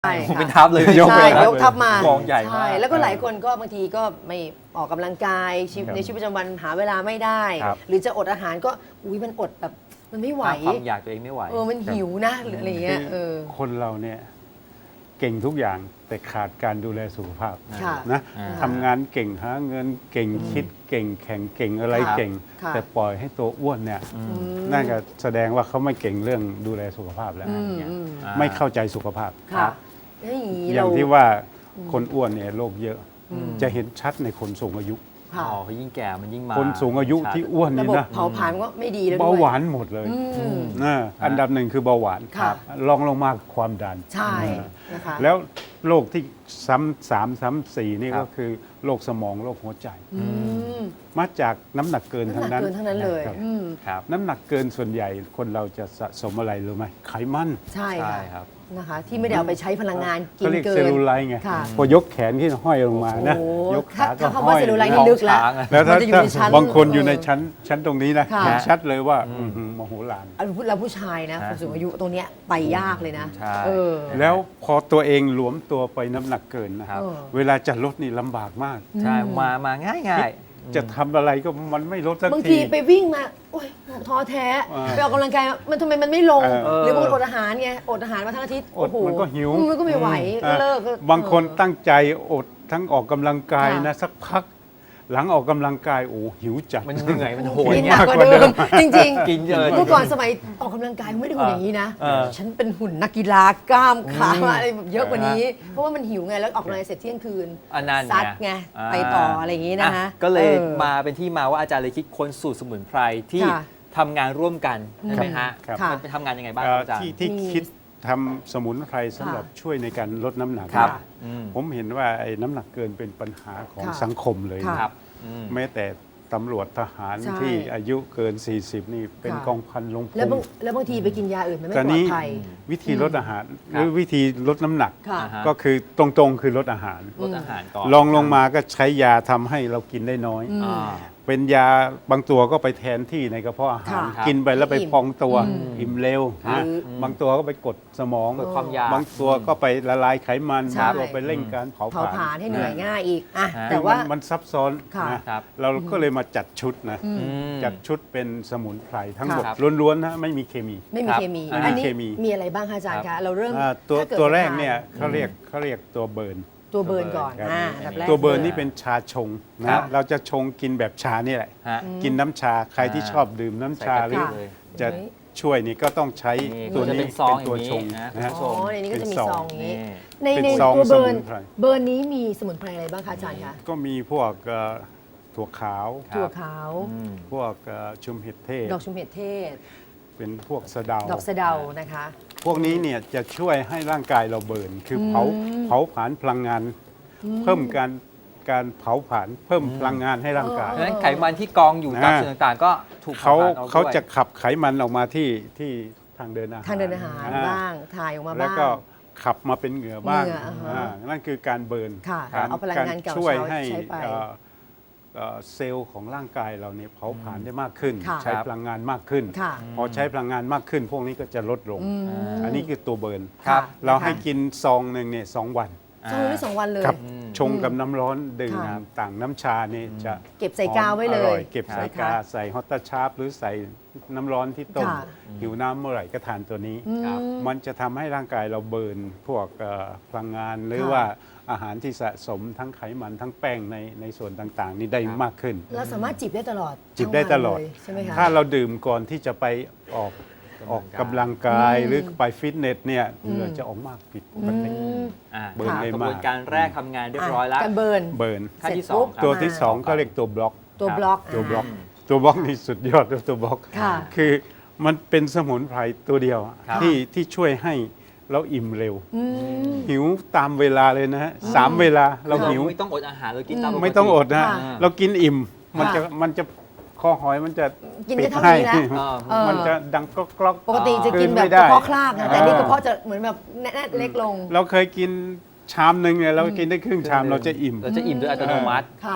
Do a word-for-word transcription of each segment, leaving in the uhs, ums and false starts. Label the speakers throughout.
Speaker 1: ใช่
Speaker 2: ผมเป็นทัพเลย
Speaker 1: ยกใช่ยกทัพมาก
Speaker 2: องใหญ่มาก
Speaker 1: ใช่แล้วก็หลายคนก็บางทีก็ไม่ออกกำลังกายชีวิตในชีวิตประจำวันหาเวลาไม่ได้
Speaker 2: ครับ
Speaker 1: หรือจะอดอาหารก็อุ้ยมันอดแบบมันไม่ไหว
Speaker 2: ความอยากตัวเองไม่ไหว
Speaker 1: เออมันหิวนะหรืออะไรเงี้ยเออ
Speaker 3: คนเราเนี่ยเก่งทุกอย่างแต่ขาดการดูแลสุขภาพ
Speaker 1: ค่ะ
Speaker 3: นะ
Speaker 2: อ่า
Speaker 3: ทำงานเก่งหาเงินเก่งคิดเก่งแข่งเก่งอะไร
Speaker 1: ครับ
Speaker 3: เก่ง
Speaker 1: ค่ะ
Speaker 3: แต่ปล่อยให้ตัวอ้วนเนี่ย
Speaker 2: อืม
Speaker 3: นั่นก็แสดงว่าเขาไม่เก่งเรื่องดูแลสุขภาพแล้ว
Speaker 1: อืมอืม
Speaker 2: อ่า
Speaker 3: ไม่เข้าใจสุขภาพ
Speaker 1: ค่ะแล้วอย่างนี้
Speaker 3: อ
Speaker 1: เรา
Speaker 3: ย่างที่ว่าคนอ้วนเนี่ยโรคเยอะ
Speaker 1: อืม
Speaker 3: จะเห็นชัดในคนสูงอายุ
Speaker 1: ค่ะ
Speaker 2: อ๋อเขายิ่งแก่มันยิ่งมา
Speaker 3: คนสูงอายุที่อ้วน
Speaker 1: ระ
Speaker 3: นี่
Speaker 1: บบ
Speaker 3: นะ
Speaker 1: เผาผลาญก็ไม่ดีแล้วด้วย
Speaker 3: เบาหวานหมดเลย
Speaker 1: อืม
Speaker 3: นะอันดับหนึ่งคือเบาหวาน
Speaker 1: ค่ะ
Speaker 3: รองลงมาความดัน
Speaker 1: ใช่นะคะ
Speaker 3: แล้วโรคที่ซ้ำสามซ้ำสี่นี่
Speaker 2: ครั
Speaker 3: ก็
Speaker 2: บ
Speaker 3: คือโรคสมองโรคหัวใจ
Speaker 1: อืม
Speaker 3: มาจากน้ำหนักเกิน
Speaker 1: น้ำ
Speaker 3: ทั้
Speaker 1: ห
Speaker 3: ง
Speaker 1: นัก
Speaker 3: นั้น
Speaker 1: เกินทั้งนั้นเลย
Speaker 3: ครับ
Speaker 1: อืม
Speaker 2: ครับ
Speaker 3: น้ำหนักเกินส่วนใหญ่คนเราจะสะสมอะไรรู้ไหมไขมัน
Speaker 1: ใช่
Speaker 2: ใช่
Speaker 1: ค่ะ
Speaker 2: ครับ
Speaker 1: นะคะ ที่ไม่ได้เอาไปใช้พลังงานกิ
Speaker 3: ก็
Speaker 1: น
Speaker 3: เรียก
Speaker 1: เกิ
Speaker 3: เซล
Speaker 1: น
Speaker 3: ลูไลท์ไง
Speaker 1: ค่ะ
Speaker 3: พอยกแขนขึ้นห้อยลงมานะ
Speaker 1: โอ้โห
Speaker 3: ยกขาก็
Speaker 1: ถ้าถ้า
Speaker 3: ห้
Speaker 1: คำว่า
Speaker 3: อย
Speaker 1: เซลลูไลท์
Speaker 2: ท้
Speaker 1: นี่
Speaker 2: อง
Speaker 1: ลึกแล้ว
Speaker 2: ช้างอะ
Speaker 3: แล้วถ้า
Speaker 1: มันจะอยู่ในชั้น
Speaker 3: บางคนอยู่ใน
Speaker 1: เออ
Speaker 3: ชั้นชั้นตรงนี้นะ
Speaker 1: ค่ะ
Speaker 3: เห็นชัดเลยว่าอื้อหือมโหฬาร
Speaker 1: เอาพูดเราผู้ชายนะ
Speaker 2: ฮะ
Speaker 1: คนสูงอายุตรงเนี้ยไปยากเลยนะ
Speaker 2: ใช่
Speaker 1: เออ
Speaker 3: แล้วพอตัวเองหลวมตัวไปน้ำหนักเกินนะครับ
Speaker 1: เออ
Speaker 3: เวลาจะลดนี่ลำบากมาก
Speaker 2: ใช่มามาง่ายง่าย
Speaker 3: จะทำอะไรก็มันไม่ลดสัก
Speaker 1: บาง
Speaker 3: ที
Speaker 1: ทีไปวิ่งมาโอ๊ยท้อแท้
Speaker 3: เออ
Speaker 1: ไปออกกำลังกายมันทำไมมันไม่ลง
Speaker 3: เออ
Speaker 1: หรือบางคนอดอาหารไงอดอาหารมาทั้งอาทิตย์
Speaker 3: อด
Speaker 1: โโห
Speaker 3: มันก็หิว
Speaker 1: มันก็ไม่ไหวก็เลิกก็
Speaker 3: บางคน
Speaker 1: เออ
Speaker 3: ตั้งใจอดทั้งออกกำลังกาย
Speaker 1: ค่ะ
Speaker 3: นะสักพัก หลังออกกำลังกายโอ้หิวจัด
Speaker 2: มันเหนื่อยมันโหย
Speaker 1: กินห
Speaker 2: เงี้
Speaker 1: นั
Speaker 2: ย
Speaker 1: กกว่าเดิมจริงๆ
Speaker 2: กินเยอะ
Speaker 1: เมื่อก่อนสมัยออกกำลังกายไม่ได้หุ่นอย่างนี้นะ
Speaker 2: เออ
Speaker 1: ฉันเป็นหุ่นนักกีฬากล้ามขาอะไรแบบเยอะกว่านี้ เพราะว่ามันหิวไงแล้วออกกำลังกายเสร็จเที่ยงคืน
Speaker 2: อันนั้น
Speaker 1: ซัดไง
Speaker 2: า
Speaker 1: ไปต่ออะไรอย่างนี้นะคะ
Speaker 2: อ่ก็เลย
Speaker 1: ออ
Speaker 2: มาเป็นที่มาว่าอาจารย์เลยคิดค้นสูตรสมุนไพรที่
Speaker 1: ค่ะ
Speaker 2: ทำงานร่วมกันใช่ไหมฮะ
Speaker 3: ครับ
Speaker 1: ค่ะ
Speaker 2: มันไปทำงานยังไงบ้างค
Speaker 3: เอ่
Speaker 2: รับ
Speaker 3: อ
Speaker 2: อาจารย์
Speaker 3: ที่ที่
Speaker 1: มี
Speaker 3: คิดทำสมุนไพรสำหรับ
Speaker 1: ค่ะ
Speaker 3: ช่วยในการลดน้ำหนัก
Speaker 2: ครับ
Speaker 3: นะ
Speaker 2: อืม
Speaker 3: ผมเห็นว่าไอ้น้ำหนักเกินเป็นปัญหาของ
Speaker 1: ค่ะ
Speaker 3: สังคมเลย
Speaker 1: ค่ะ
Speaker 3: นะ
Speaker 2: ครับอืม
Speaker 3: แม้แต่ตำรวจทหาร
Speaker 1: ใช่
Speaker 3: ที่อายุเกิน สี่สิบ นี่เป็น
Speaker 1: ค่ะ
Speaker 3: กองพันลงพ
Speaker 1: แล้วบาง
Speaker 3: ล
Speaker 1: แล้วบางทีไปกินยาอื่นมันไม่
Speaker 3: ตอน
Speaker 1: ปลอ
Speaker 3: นี้
Speaker 1: ดภัย
Speaker 3: วิธีลดอาหาร
Speaker 2: ค
Speaker 3: ห
Speaker 2: รับ
Speaker 3: รือวิธีลดน้ำหนัก
Speaker 1: ค่ะ
Speaker 2: อ่าฮะ
Speaker 3: ก็คือตรงๆคือลดอาหาร
Speaker 2: ลดอาหารก่อน
Speaker 3: ลองลงมาก็ใช้ยาทำให้เรากินได้น้อย
Speaker 1: อืม
Speaker 2: อ่า
Speaker 3: เป็นยาบางตัวก็ไปแทนที่ในกระเพาะอาหาร
Speaker 1: ค่ะ
Speaker 3: กินไปแล้วไป
Speaker 1: อิ่ม
Speaker 3: พองตัว
Speaker 1: อืม
Speaker 3: อิ่มเร็ว
Speaker 1: ค่ะ
Speaker 3: นะบางตัวก็ไปกดสมอง
Speaker 2: กดความอยาก
Speaker 3: บางตัวก็ไปละลายไขมัน
Speaker 1: ใช่
Speaker 3: บางตัวไปเร่งการเผา
Speaker 1: เผาผลาญให้เหนื่อย
Speaker 3: นะ
Speaker 1: ง่ายอีกอ่ะ
Speaker 2: ฮะ
Speaker 1: แต่
Speaker 3: คือ
Speaker 1: ว่า
Speaker 3: มันมันซับซ้อน
Speaker 1: ค่ะ
Speaker 3: นะครับ เราก็เลยมาจัดชุดนะ
Speaker 1: อืม
Speaker 2: อืม
Speaker 3: จัดชุดเป็นสมุนไพรทั้งหมด
Speaker 2: ครับ
Speaker 3: ล้วนๆนะไม่มีเคมี
Speaker 1: ไม่มี
Speaker 2: ครับ
Speaker 1: เคมี
Speaker 2: อ่า
Speaker 1: อันนี้
Speaker 3: เคมี
Speaker 1: มีอะไรบ้างคะอาจารย์
Speaker 2: ครั
Speaker 1: คะ
Speaker 2: บ
Speaker 1: เราเริ่ม
Speaker 3: อ่าตัว
Speaker 1: ถ้ากิด
Speaker 3: ตัว
Speaker 1: จะ
Speaker 3: แรก
Speaker 1: ทา
Speaker 3: เนี่ยเขาเรียกเขาเรียกตัวเบิร์น
Speaker 1: ตัวเบิร์นก่อน
Speaker 3: ครับ
Speaker 1: อ่าอันดับแรก
Speaker 3: ตัวเบิร์น
Speaker 1: ลย
Speaker 3: นี่เป็นชาชง
Speaker 2: ครั
Speaker 3: นะ
Speaker 2: บ
Speaker 3: เราจะชงกินแบบชานี่แหละ
Speaker 2: ฮะ
Speaker 3: กินน้ำชาใครที่
Speaker 2: อ่า
Speaker 3: ชอบดื่มน้ำชา
Speaker 2: ใส่กะ
Speaker 3: หรื
Speaker 2: ทิ
Speaker 3: อ
Speaker 2: เลย
Speaker 3: จะช่วยนี่ก็ต้องใช้
Speaker 2: นี่
Speaker 3: ตัว
Speaker 2: จะ
Speaker 3: นี้
Speaker 2: เป็นซอง
Speaker 3: เป็นตัว
Speaker 2: อย่างนี้
Speaker 3: ชง
Speaker 2: นะ
Speaker 3: นะฮะ
Speaker 1: อ๋อในนี้ก็จะมี
Speaker 3: เป็น
Speaker 1: ซ
Speaker 3: ซ
Speaker 1: อ
Speaker 3: อง ง
Speaker 1: อย่างนี้
Speaker 2: นี่
Speaker 1: ใน
Speaker 3: เป็น
Speaker 1: ใน
Speaker 3: ซอง
Speaker 1: ตัวเบิร์น
Speaker 3: สมุนไพร
Speaker 1: เบิร์นนี้มีสมุนไพรอะไรบ้างคะอาจารย์คะ
Speaker 3: ก็มีพวกเอ่อถั่วขาว
Speaker 2: ครับ
Speaker 1: ถั่วขาว
Speaker 2: อืม
Speaker 3: พวกเอ่อชุมเห็ดเทศ
Speaker 1: ดอกชุมเห็ดเทศ
Speaker 3: เป็นพวกสะเดา
Speaker 1: ดอกสะเดานะคะ
Speaker 3: พวกนี้เนี่ยจะช่วยให้ร่างกายเราเบิร์นคือเผา
Speaker 1: อืม
Speaker 3: เผาผลาญพลังงาน เพิ่มการการเผาผลาญเพิ่มพลังงานให้ร่างกาย
Speaker 2: เพราะฉะนั้นไขมันที่กองอยู่ตาม
Speaker 3: อ่า
Speaker 2: ส่วนต่างๆ ก็ถูก
Speaker 3: เขา
Speaker 2: ผลญออก
Speaker 3: เขา
Speaker 2: ด้วย
Speaker 3: จะขับไขมันออกมาที่ที่ทางเดินอาหาร
Speaker 1: ทางเดินอาหาร
Speaker 3: อ่
Speaker 1: บ้างถ่ายออกมาบ้าง
Speaker 3: แล้วก็ขับมาเป็นเหงื่อบ้าง
Speaker 1: เหงื่ออ่าฮะ
Speaker 3: อ่านั่นคือการเบิร์น
Speaker 1: ค่ะ
Speaker 3: การ
Speaker 1: เอาพลังงานเก่า
Speaker 3: ช่วยให้
Speaker 1: ใช้ไป
Speaker 3: เอ่อเอ่อเซลล์ของร่างกายเราเนี่ยเผาผลาญได้มากขึ้น
Speaker 1: ค่ะ
Speaker 3: ใช้พลังงานมากขึ้น
Speaker 1: ค่ะ
Speaker 3: พอใช้พลังงานมากขึ้น พวกนี้ก็จะลดลง
Speaker 1: อืม
Speaker 3: อันนี้คือตัวเบิร์น
Speaker 2: ครับ
Speaker 3: เราให้กินซองหนึ่งเนี่ยสองวัน
Speaker 1: สองวันหรือสองวันเลย
Speaker 3: ครับ
Speaker 2: อืม
Speaker 3: ชงกับน้ำร้อนดื่ม
Speaker 1: ค่ะ
Speaker 3: ต่างน้ำชาเนี่ยจะ
Speaker 1: เก็บใส่กาวไว้เล
Speaker 3: หอมอย ร่อเก็บใส่
Speaker 1: นะคะ
Speaker 3: กาใส่ฮอตตาชาร์ปหรือใส่น้ำร้อนที่ต้ม
Speaker 1: ค่ะ
Speaker 3: หิวน้ำเมื่อไหร่ก็ทานตัวนี้
Speaker 1: อืม
Speaker 2: ครับ
Speaker 3: มันจะทำให้ร่างกายเราเบิร์นพวกเอ่อพลังงานหรือ
Speaker 1: ค่ะ
Speaker 3: ว่าอาหารที่สะสมทั้งไขมันทั้งแป้งในในส่วนต่างๆ นี่ได้
Speaker 2: ครับ
Speaker 3: มากขึ้น
Speaker 1: เราสามารถจิบได้ตลอด
Speaker 3: จิบได้ตลอด
Speaker 1: ทั้งวันเยใช่ไหมคะ
Speaker 3: ถ้าเราดื่มก่อนที่จะไปออกออกกำลังกาย
Speaker 1: อืม
Speaker 3: หรือไปฟิตเนสเนี่ย
Speaker 1: อืม
Speaker 3: เหงื่อจะออกมากผิดปกติ
Speaker 1: อืม
Speaker 2: อ่า
Speaker 3: เบิร์นได้
Speaker 2: กระ
Speaker 3: มาก
Speaker 2: บวนการแรกทำงานเรียบร้อยแล้ว
Speaker 1: การเบิร์น
Speaker 3: เบิร์น
Speaker 2: ขั้นที่
Speaker 1: เสร็จ
Speaker 2: สอง
Speaker 1: ปุ๊บ
Speaker 2: ครับ
Speaker 3: ตัวที่สองก็เรียกตัวบล็อก
Speaker 1: ตัว
Speaker 2: ครับ
Speaker 1: บล็อก
Speaker 3: ตัวบล็อก
Speaker 1: า
Speaker 3: ตัวบล็อกนี่สุดยอดเลยตัวบล็อก
Speaker 1: ค่ะ
Speaker 3: คือมันเป็นสมุนไพรตัวเดียวอะ
Speaker 2: ครับ
Speaker 3: ที่ที่ช่วยให้เราอิ่มเร็ว
Speaker 1: อืม
Speaker 3: หิวตามเวลาเลยนะฮะสามเวลาเราหิว
Speaker 2: ไม่ต้องอดอาหารเรากินตามปกติ
Speaker 3: ไม่ต้องอดนะ
Speaker 1: ค่ะ
Speaker 3: เรากินอิ่ม มัน
Speaker 1: ค่ะ
Speaker 3: จะมันจะคอหอยมันจะ
Speaker 1: กิน
Speaker 3: ปิ
Speaker 1: ได้
Speaker 3: ด
Speaker 1: เท่า
Speaker 3: ให้
Speaker 1: นี้แล้ว
Speaker 2: เออ
Speaker 1: เออ
Speaker 3: มันจะดังก๊อกก๊อก
Speaker 1: ปกติจะกินแบบ
Speaker 3: คืนไม่
Speaker 1: ก
Speaker 3: ได้
Speaker 1: ระเพาะคลากนะแต่
Speaker 3: อ่า
Speaker 1: นี่กระเพาะจะเหมือนแบบแน่นๆเล็กลง
Speaker 3: เราเคยกินชามหนึ่งเนี่ยเรากินได้ครึ่งชามเราจะอิ่ม
Speaker 2: เราจะอิ่มโดยอัตโนมัติ
Speaker 1: ค่ะ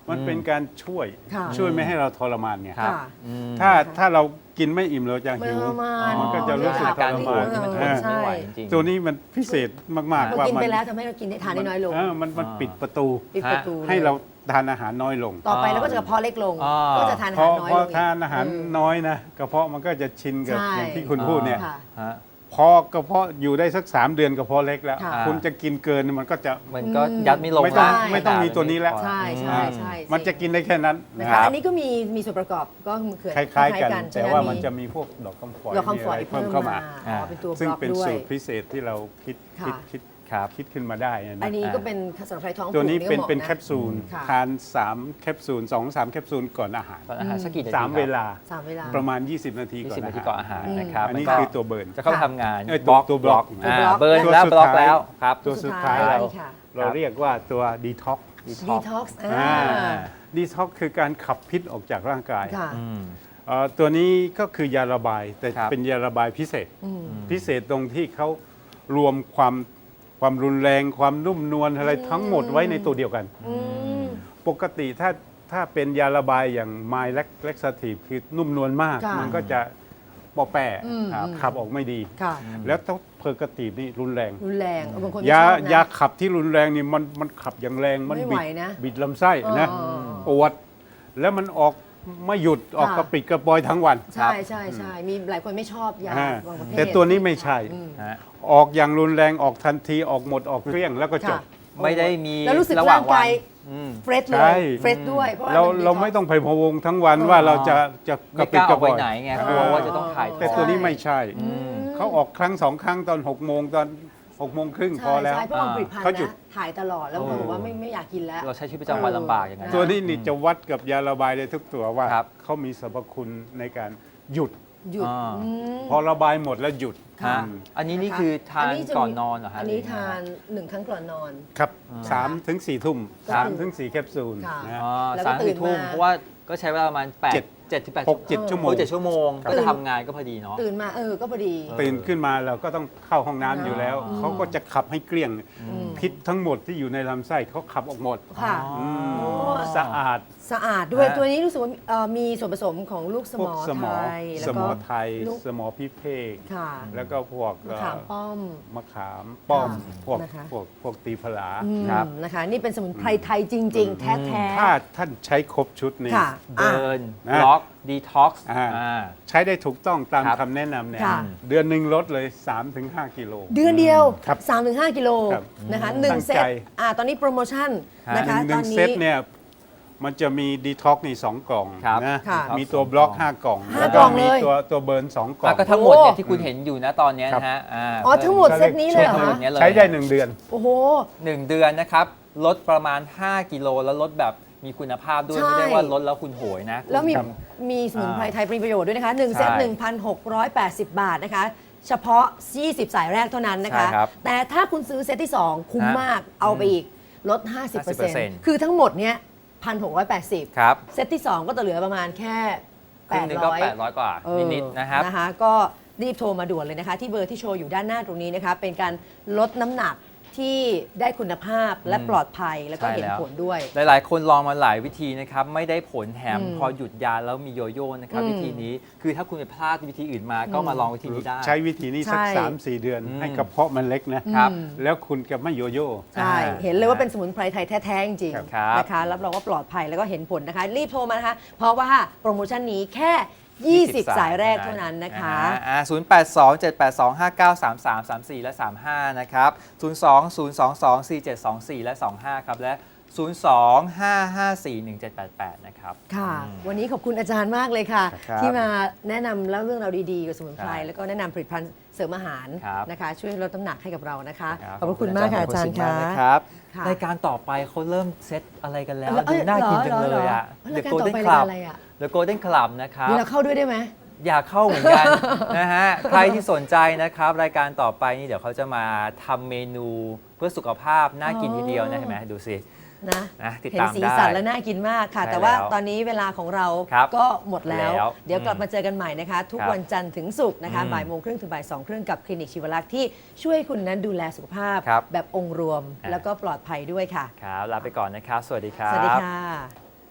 Speaker 3: มันเป็นการช่วย
Speaker 1: ค่ะ
Speaker 3: ช่วยไม่ให้เราทรมานไง
Speaker 2: ครับ
Speaker 1: ค่ะ
Speaker 2: อืม
Speaker 3: ถ้าถ้าเรากินไม่อิ่มเราจะ
Speaker 1: ไม่
Speaker 3: หิว
Speaker 1: ทรมาน
Speaker 3: มันก็จะรู้สึก
Speaker 2: อาการ
Speaker 3: ทร
Speaker 2: ป
Speaker 3: มาว
Speaker 2: ด
Speaker 3: น
Speaker 2: ที่มันทน
Speaker 3: อ่า
Speaker 2: ไม่ไหวจริงๆ
Speaker 3: ตัวนี้มันพิเศษมากๆ
Speaker 1: เรา
Speaker 3: ว่า
Speaker 1: กิน
Speaker 3: มัน
Speaker 1: ไปแล้วทำให้เรากินได้ทานได้น้อยลง
Speaker 3: เมันมัน
Speaker 2: อ่า
Speaker 3: ปิดประตู
Speaker 1: ปิดประตู
Speaker 3: ให้เรา
Speaker 1: ลย
Speaker 3: ทานอาหารน้อยลง
Speaker 1: ต่อไปเราก็จะกระเพาะเล็กลง
Speaker 2: อ่า
Speaker 1: ก็จะทานอา
Speaker 3: พ
Speaker 1: หา
Speaker 3: อ
Speaker 1: รน้อย
Speaker 3: พอ
Speaker 1: ลงอีก
Speaker 3: ทานอาหาร
Speaker 1: อืม
Speaker 3: น้อยนะกระเพาะมันก็จะชินกับ
Speaker 1: ใช่
Speaker 3: อย่างที่คุณพูดเนี่ย
Speaker 1: ค่ะ
Speaker 2: ฮะ
Speaker 3: พอกระเพาะอยู่ได้สักสามเดือนกระเพาะเล็กแล้ว
Speaker 1: ค่ะ
Speaker 3: คุณจะกินเกินมันก็จะ
Speaker 2: มันก็ยัดไม่ลง
Speaker 3: ไม่ต้อง
Speaker 2: ละ
Speaker 3: ไม่ต้องมีตัวนี้แล้ว
Speaker 1: ใช่ใช่ใช่
Speaker 3: มันจะกินได้แค่นั้น
Speaker 1: นะ
Speaker 3: นะคะ รับ
Speaker 1: อันนี้ก็มีมีส่วนประกอบก็คือ
Speaker 3: คล้ายๆกัน
Speaker 1: ใช่
Speaker 3: แต่
Speaker 1: ไห
Speaker 3: ว่ามันจะมีพวกดอกคำฝอย
Speaker 1: ดอกคำฝอย
Speaker 3: มีะไร
Speaker 1: เพิ่
Speaker 3: เพิ่
Speaker 1: ม
Speaker 3: ม
Speaker 1: เข้า
Speaker 3: เข้า
Speaker 1: มา
Speaker 3: มา
Speaker 1: อ๋อเป็นตัวบ
Speaker 3: ซึ่ง
Speaker 1: ล็อก
Speaker 3: เป็น
Speaker 1: ด้วย
Speaker 3: สูตรพิเศษที่เราคิดคิด
Speaker 1: ค่ะ
Speaker 3: คิด
Speaker 2: ครับ
Speaker 3: คิดขึ้นมาได้นะ
Speaker 1: อันนี้
Speaker 2: อ่า
Speaker 1: ก็เป็นสำหรับใครท้องผูก
Speaker 3: ตัวนี้เป็น
Speaker 1: ก็หมาะ
Speaker 3: เป็นแคปซูล
Speaker 1: ค่ะ
Speaker 3: ทานสามแคปซูลสองสามแคปซูลก่อนอาหาร
Speaker 2: ตอนอาหารสักกี่นาที
Speaker 3: สาม
Speaker 2: ครับ
Speaker 3: เวลา
Speaker 1: สามเวลา
Speaker 3: ประมาณ ยี่สิบ นาที
Speaker 2: ยี่
Speaker 3: ก่อ
Speaker 2: สิบ
Speaker 3: น
Speaker 2: นา
Speaker 3: อา
Speaker 2: ที
Speaker 3: หาร
Speaker 2: ก่อนอาหารนะครับ
Speaker 3: อันนี้
Speaker 2: แล้วก็
Speaker 3: คือตัวเบิร์น
Speaker 2: จะเข้าไปทำงาน
Speaker 3: เอ้ย
Speaker 2: บล็อก
Speaker 3: ตัวบล็อก
Speaker 2: อ่า
Speaker 1: ตัวบล็อก
Speaker 2: เบิร์น
Speaker 3: ตัว
Speaker 2: แล้ว
Speaker 3: สุด
Speaker 2: บล็อก
Speaker 3: ท้าย
Speaker 2: แล้วครับ
Speaker 3: ตัวสุดท้าย
Speaker 1: สุดท้าย
Speaker 3: เรา
Speaker 1: ค่ะ
Speaker 3: เราเรียกว่าตัวดีท็อก
Speaker 1: ดีท็อกซ์อ่า
Speaker 3: ดีท็อกคือการขับพิษออกจากร่างกาย
Speaker 1: ค่ะ
Speaker 2: อืม
Speaker 3: เอ่อตัวนี้ก็คือยาระบายแต่
Speaker 2: ครับ
Speaker 3: เป็นยาระบายพิเศษ
Speaker 1: อืม
Speaker 3: พิเศษตรงที่เขารวมความความรุนแรงความนุ่มนวลอะไรทั้งหมดไว้ในตัวเดียวกัน
Speaker 1: อืม
Speaker 3: ปกติถ้าถ้าเป็นยาระบายอย่างไมล์เล็กซาทีฟคือนุ่มนวลมาก
Speaker 1: ค่ะ
Speaker 3: มันก็จะปอแปะ
Speaker 1: อืม
Speaker 3: ครับ
Speaker 1: อืม
Speaker 3: ขับออกไม่ดี
Speaker 1: ค่ะ
Speaker 3: แล้วต้องเพอร์กติฟนี่รุนแรง
Speaker 1: รุนแรงบางคนไม่
Speaker 3: ยา
Speaker 1: ชอบนะ
Speaker 3: ยาขับที่รุนแรงนี่มันมันขับอย่างแรงมัน
Speaker 1: ไม่
Speaker 3: บิ
Speaker 1: ไหว
Speaker 3: ด
Speaker 1: นะ
Speaker 3: บิดลำไส้นะ
Speaker 1: อ๋อ
Speaker 3: ปวดแล้วมันออกไม่หยุดออก
Speaker 1: ค่ะ
Speaker 3: กระปิดกระปอยทั้งวัน
Speaker 1: ใช่ใช่ใช่มีหลายคนไม่ชอบยา
Speaker 3: อ่า
Speaker 1: บางประเภท
Speaker 3: แต่ตัวนี้ไม่ใช่
Speaker 1: อืม
Speaker 2: ฮะ
Speaker 3: ออกอย่างรุนแรงออกทันทีออกหมดออกเกลี้ยงแล้วก็จบ
Speaker 1: ค่ะ
Speaker 2: ไม่ได้มี
Speaker 1: แล้วรู้สึก
Speaker 2: ระหว่าง
Speaker 1: ร่าง
Speaker 2: วั
Speaker 1: กาย
Speaker 2: นอืม
Speaker 1: เฟรชเล
Speaker 3: ใช่
Speaker 1: ยเฟรชด้วยเพราะว่า
Speaker 3: เรา
Speaker 1: น
Speaker 3: เราไม่ต้องไปพะวงทั้งวัน
Speaker 1: เออ
Speaker 3: ว่าเราจะจะก
Speaker 2: ไม่
Speaker 3: ระ
Speaker 2: ก
Speaker 3: ปิด
Speaker 2: ล้าก อ
Speaker 3: ระ
Speaker 2: อก
Speaker 3: ป
Speaker 2: ไป
Speaker 3: อย
Speaker 2: ไหนไงกลัวว่าจะต้องถ่าย
Speaker 3: แต่ตัวนี้ไม่ใช่
Speaker 1: อืม
Speaker 3: เขาออกครั้งสองครั้งตอนหกโมงตอนหกโมงครึ่งพ
Speaker 1: ใช่
Speaker 3: อแล้ว
Speaker 1: ใช่เพราะบางผลิตภัณฑ์
Speaker 3: เขาหยุด
Speaker 1: นะถ่ายตลอดแล้วบางคนบอกว่าไม่ไม่อยากกินแล้ว
Speaker 2: เราใช้ชีวิตประจำวันลำบากอย่างนั้น
Speaker 3: ตัวนี้นี่จะวัดกับยาระบายได้ทุกตัวว่า
Speaker 2: ครับ
Speaker 3: เขามีสรรพคุณในการหยุด
Speaker 1: หยุด
Speaker 2: อ่า
Speaker 1: อืม
Speaker 3: พอระบายหมดแล้วหยุด
Speaker 1: ค่ะ
Speaker 2: ฮะอันนี้นี่คือทาน
Speaker 1: จะมี
Speaker 2: ก่อนนอนเหรอฮะ
Speaker 1: อันนี้
Speaker 2: หรื
Speaker 1: ทานหนึ่งครั้งก่อนนอน
Speaker 3: ครับสามถึงสี่ทุ่ม
Speaker 1: ครับ
Speaker 3: สามถึงสี่แคปซูล
Speaker 1: ค่ะ
Speaker 3: นะ
Speaker 2: อ๋อ
Speaker 1: แล้วก็
Speaker 2: สาม
Speaker 1: ตื่
Speaker 2: สี่
Speaker 1: น
Speaker 2: ทุ่ม
Speaker 1: มา
Speaker 2: เพราะว่าก็ใช้เวลาประมาณแปด
Speaker 3: เจ็ด
Speaker 2: เจ็ดถึงแปด
Speaker 3: หกเจ็ดชั่วโมง
Speaker 2: โอ้เจ็ดชั่วโมง
Speaker 3: ครับ
Speaker 2: ก็จะทำงานก็พอดีเนาะ
Speaker 1: ตื่นมาเออก็พอดี
Speaker 3: ตื่นขึ้นมาเราก็ต้องเข้าห้องน้ำอยู่แล้ว
Speaker 2: อืม
Speaker 3: เขาก็จะขับให้เกลี้ยง
Speaker 1: ม
Speaker 3: พิษทั้งหมดที่อยู่ในลำไส้เขาขับออกหมด
Speaker 1: ค่ะ
Speaker 2: อ๋อ
Speaker 3: มสะอาด
Speaker 1: สะอาดด้วย
Speaker 2: ฮะ
Speaker 1: ตัวนี้รู้สึกว่าเอ่อมีส่วนผสมของลูกส
Speaker 3: พ
Speaker 1: ม
Speaker 3: วก
Speaker 1: อ
Speaker 3: สมอ
Speaker 1: ไทยแล้
Speaker 3: ส
Speaker 1: ว
Speaker 3: ม
Speaker 1: ก็
Speaker 3: อไทย
Speaker 1: ลูก
Speaker 3: สมอพิเภก
Speaker 1: ค่ะ
Speaker 3: แล้วก็พวก
Speaker 1: มะขามป้อม
Speaker 3: มะขามป้อม
Speaker 1: ค่ะ
Speaker 3: พวก
Speaker 1: นะคะ
Speaker 3: พวกพวกตีผลา
Speaker 1: อืม
Speaker 2: ครับ
Speaker 1: นะคะ นี่เป็นสมุนไพรไทยจริง ๆ แท้ๆ
Speaker 3: ถ้าท่านใช้ครบชุดนี้
Speaker 1: ค่ะ
Speaker 2: เบิร์น
Speaker 3: อ่ะ
Speaker 2: บล็อกดีท็อกซ์
Speaker 3: อ่า
Speaker 2: อ่า
Speaker 3: ใช้ได้ถูกต้องตาม
Speaker 2: ครับ
Speaker 3: คำแนะนำเนี่ย
Speaker 1: ค่ะ
Speaker 3: เดือนหนึ่งลดเลย สามถึงห้า กิโล
Speaker 1: เดือนเดียว
Speaker 3: ครับ
Speaker 1: สามถึงห้ากิโล
Speaker 3: ครับ
Speaker 1: นะคะหนึ่ง
Speaker 3: ตั้ง
Speaker 1: เซต
Speaker 3: ใจ
Speaker 1: อ่าตอนนี้โปรโมชั่น
Speaker 2: ฮะ
Speaker 1: นะคะ
Speaker 3: หนึ่
Speaker 1: ตอง น
Speaker 3: เซ
Speaker 1: นี้
Speaker 3: ตเนี่ยมันจะมีดีท็อกนี่สองกล่อง
Speaker 2: ครับ
Speaker 3: นะ
Speaker 1: ค่ะ
Speaker 3: มีตัวบล็อกห้ากล่อง
Speaker 1: ห้า
Speaker 3: แล้ว
Speaker 1: กล่
Speaker 3: ก็
Speaker 1: อง
Speaker 3: มี
Speaker 1: เลย
Speaker 3: ตัวตัวเบิร์นสองกล่อ
Speaker 2: อ่ะ
Speaker 3: ง
Speaker 2: ก็ทั้งหมดเนี่ย
Speaker 1: โอ้
Speaker 2: ที่คุณเห็นอยู่นะตอนเนี้ยนะฮะา
Speaker 1: อ๋อทั้งหมดเซตนี้เลยเหรอ
Speaker 2: ทั้งหมด
Speaker 1: คะ
Speaker 2: เนี้ยเลย
Speaker 3: ใช้ได้หนึ่งเดือน
Speaker 1: โอ้โห
Speaker 2: หนึ่งเดือนนะครับลดประมาณ ห้า กิโลแล้วลดแบบมีคุณภาพด้วย
Speaker 1: ใช่
Speaker 2: ไม่ได้ว่าลดแล้วคุณโหยนะ
Speaker 1: แล้วมี
Speaker 2: คุณ
Speaker 1: มีสมุนไพร
Speaker 2: อ่า
Speaker 1: ไทยมีประโยชน์ด้วยนะคะหนึ่งเซต
Speaker 2: ใช่
Speaker 1: หนึ่งพันหกร้อยแปดสิบ บาทนะคะ เฉพาะ ยี่สิบ สายแรกเท่านั้นนะคะ
Speaker 2: ใช่ครับ
Speaker 1: แต่ถ้าคุณซื้อเซตที่ สอง คุ้ม
Speaker 2: ฮะ
Speaker 1: มากเอาไปอีกลด ห้าสิบเปอร์เซ็นต์ คือทั้งหมดเนี้ยหนึ่งพันหกร้อยแปดสิบ
Speaker 2: ครับ
Speaker 1: เซตที่ สอง ก็จะเหลือประมาณแค่
Speaker 2: ครึ่งหนึงก็
Speaker 1: แปดร้อย
Speaker 2: แปดร้อยกว่า
Speaker 1: เออ
Speaker 2: นิดๆนะครับ
Speaker 1: นะคะก็รีบโทรมาด่วนเลยนะคะ ที่เบอร์ที่โชว์อยู่ด้านหน้าตรงนี้นะคะ เป็นการลดน้ำหนักที่ได้คุณภาพและ
Speaker 2: อืม
Speaker 1: ปลอดภัยแล้วก็
Speaker 2: ใช่
Speaker 1: เห็น
Speaker 2: แล้ว
Speaker 1: ผลด้วย
Speaker 2: หลาย ๆ คนลองมาหลายวิธีนะครับไม่ได้ผลแถม
Speaker 1: อืม
Speaker 2: พอหยุดยาแล้วมีโยโย่นะครับ
Speaker 1: อืม
Speaker 2: วิธีนี้คือถ้าคุณไปพลาดวิธีอื่นมาก็มาลองวิธีนี้ได้
Speaker 3: ใช้วิธีนี้สัก
Speaker 1: ใช่
Speaker 3: สามสี่เดือน
Speaker 2: อืม
Speaker 3: ให้กระเพาะมันเล็กนะ
Speaker 2: ครับ
Speaker 1: อืม
Speaker 3: แล้วคุณจะไม่โยโย่
Speaker 1: ใช่
Speaker 2: อ่า
Speaker 1: เห็นเลยว่าเป็นสมุนไพรไทยแท้ ๆ จริง
Speaker 2: ครับ
Speaker 1: ๆนะคะรับรองว่าปลอดภัยแล้วก็เห็นผลนะคะ รีบโทรมานะคะ เพราะว่าโปรโมชั่นนี้แค่ ยี่สิบ สายแรกเท่านั้นนะคะ
Speaker 2: อ่าศูนย์ แปด สอง เจ็ด แปด สอง ห้า เก้า สาม สาม สาม สี่ และ สาม ห้า นะครับ ศูนย์ สอง ศูนย์ สอง สอง สี่ เจ็ด สอง สี่ และ สอง ห้า ครับ และ ศูนย์ สอง ห้า ห้า สี่ หนึ่ง เจ็ด แปด แปด นะครับ
Speaker 1: ค่ะ
Speaker 2: อืม
Speaker 1: วันนี้ขอบคุณอาจารย์มากเลยค่ะ
Speaker 3: ครับ
Speaker 1: ที่มาแนะนำเล่าเรื่องราวดีๆกับสมุนไพร
Speaker 2: ครับ
Speaker 1: แล้วก็แนะนำผลิตภัณฑ์เสริมอาหาร
Speaker 2: ครับ
Speaker 1: นะคะ ช่วยลดน้ำหนักให้กับเรานะคะ
Speaker 2: ครับ
Speaker 1: ขอบพระคุณมากค่ะอาจารย์
Speaker 2: ขอบ
Speaker 1: ค่ะ
Speaker 2: ณมกนะครับ
Speaker 1: ค่ะ
Speaker 2: รายการต่อไปเขาเริ่มเซตอะไรกันแล้ว
Speaker 1: เอ้
Speaker 2: ดู
Speaker 1: ย
Speaker 2: น่ากินจัง
Speaker 1: หร
Speaker 2: เลยอ่ะ
Speaker 1: รายการต่อไปรายการอะไรอ่ะ
Speaker 2: The Golden Club นะครับ
Speaker 1: เดี๋ยวเราเข้าด้วยได้ไหม
Speaker 2: อยากเข้าเหมือนกัน นะฮะ ใครที่สนใจนะครับ รายการต่อไปนี่เดี๋ยวเขาจะมาทำเมนูเพื่อสุขภาพน่ากินทีเดียวนะเห็นไหมดูสิ
Speaker 1: นะ
Speaker 2: นะติด
Speaker 1: เห็น
Speaker 2: ตาม
Speaker 1: สี
Speaker 2: ได้
Speaker 1: สันและน่ากินมากค่ะ
Speaker 2: ใช่
Speaker 1: แต่ว่า
Speaker 2: แล้ว
Speaker 1: ตอนนี้เวลาของเรา
Speaker 2: ครับ
Speaker 1: ก็หมดแล้ว
Speaker 2: แล้ว
Speaker 1: เดี๋ยวกลับ
Speaker 2: อืม
Speaker 1: มาเจอกันใหม่นะคะ ทุก
Speaker 2: ครับ
Speaker 1: วันจันทร์ถึงศุกร์นะคะ
Speaker 2: อืม
Speaker 1: บ่ายโมงครึ่งถึงบ่ายสองครึ่งกับคลินิกชีวลักษณ์ที่ช่วยคุณนั้นดูแลสุขภาพ
Speaker 2: ครับ
Speaker 1: แบบองค์รวม
Speaker 2: อ่า
Speaker 1: แล้วก็ปลอดภัยด้วยค่ะ
Speaker 2: ครับลาไปก่อนนะครับ สวัสดีครับ
Speaker 1: สวัสดีค่ะ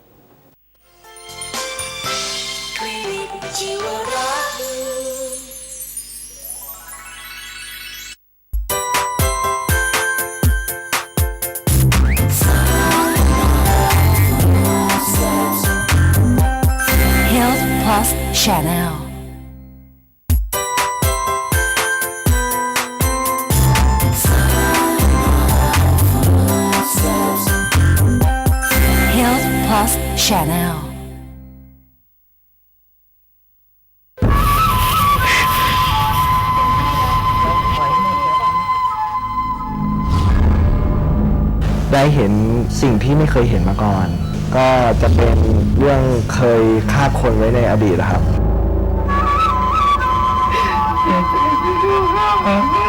Speaker 4: ชีวรักษ์
Speaker 5: Health Plus Channel Health Plus Channel
Speaker 6: ได้เห็นสิ่งที่ไม่เคยเห็นมาก่อน ก็จะเป็นเรื่องเคยฆ่าคนไว้ในอดีตนะครับ